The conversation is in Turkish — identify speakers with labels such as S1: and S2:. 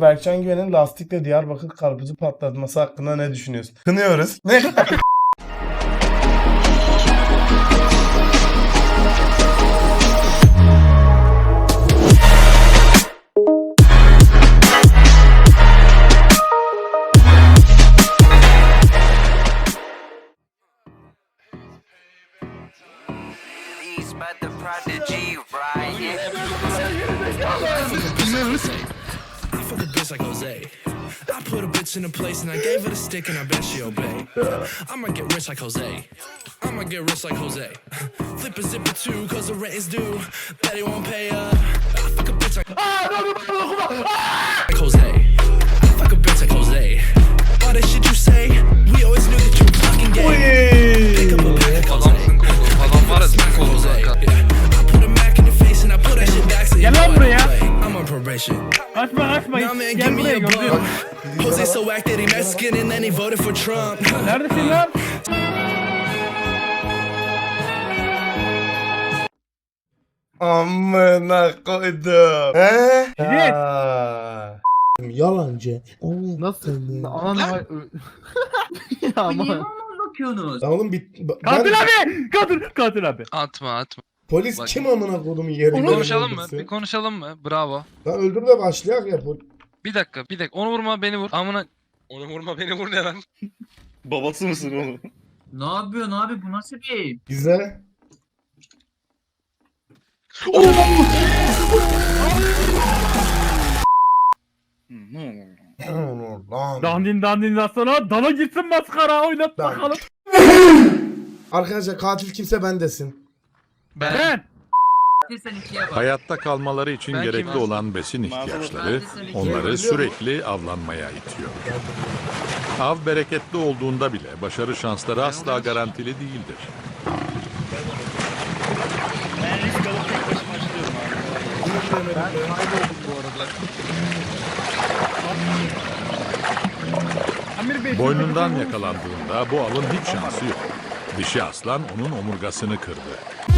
S1: YouTuber Berkcan Güven'in lastikle Diyarbakır karpuzu patlatması hakkında ne düşünüyorsun? Kınıyoruz. Ne?
S2: Fuck a bitch like Jose. I put a bitch in a place and I gave her the stick and I bet she obey. I'ma get rich like Jose. I'ma get rich like Jose. Flip a zipper too, cause the rent is due. Bet he won't pay up. I fuck a bitch like Jose. I fuck a bitch like Jose. All that shit you say, we always knew that you were fucking gay. Pick up a pack like Jose.
S3: Adam var ya smack oldu kanka.
S2: I put a Mac in your face and I put that shit back so you
S4: Gel
S2: know
S4: lan
S2: I
S4: buraya.
S2: don't play. I'm on probation.
S4: Açma açma.
S2: Nah, man, give
S4: Gel
S2: me
S4: buraya
S2: a
S4: gördüm.
S2: bum. Jose so whack that he Mexican and then he voted for Trump.
S4: Neredesin lan?
S1: Amına koydum. He?
S4: Evet.
S1: Ya.
S5: Yalancı.
S6: Nasıl? Anan ya ama.
S5: Ya oğlum
S4: Katil abi. Katil abi.
S3: Atma.
S5: Polis
S3: Bak.
S5: kim amına kodumun yerinde?
S3: Konuşalım mı? Bir konuşalım mı? Bravo.
S5: Lan öldür de başlayak ya.
S3: Bir dakika. Onu vurma beni vur. Amına. Onu vurma beni vur ne lan?
S7: Babası mısın oğlum?
S8: Ne yapıyorsun abi, bu nasıl bir?
S5: Güzel.
S7: Ne olur?
S1: Lan.
S4: Dandin sana dana gitsin maskara oynat
S1: Dan.
S4: bakalım.
S5: Arkadaşlar katil kimse ben desin.
S4: Ben.
S8: Sen ikiye bak.
S9: Hayatta kalmaları için
S3: Ben
S9: gerekli
S3: kimim?
S9: olan besin ihtiyaçları
S8: Ben de
S9: onları sürekli avlanmaya itiyor. Av bereketli olduğunda bile başarı şansları asla garantili değildir.
S7: Ben risk alıp tek başıma açılıyorum abi.
S4: Amir Bey.
S9: Boynundan yakalandığında bu avın hiç şansı yok. Dişi aslan onun omurgasını kırdı.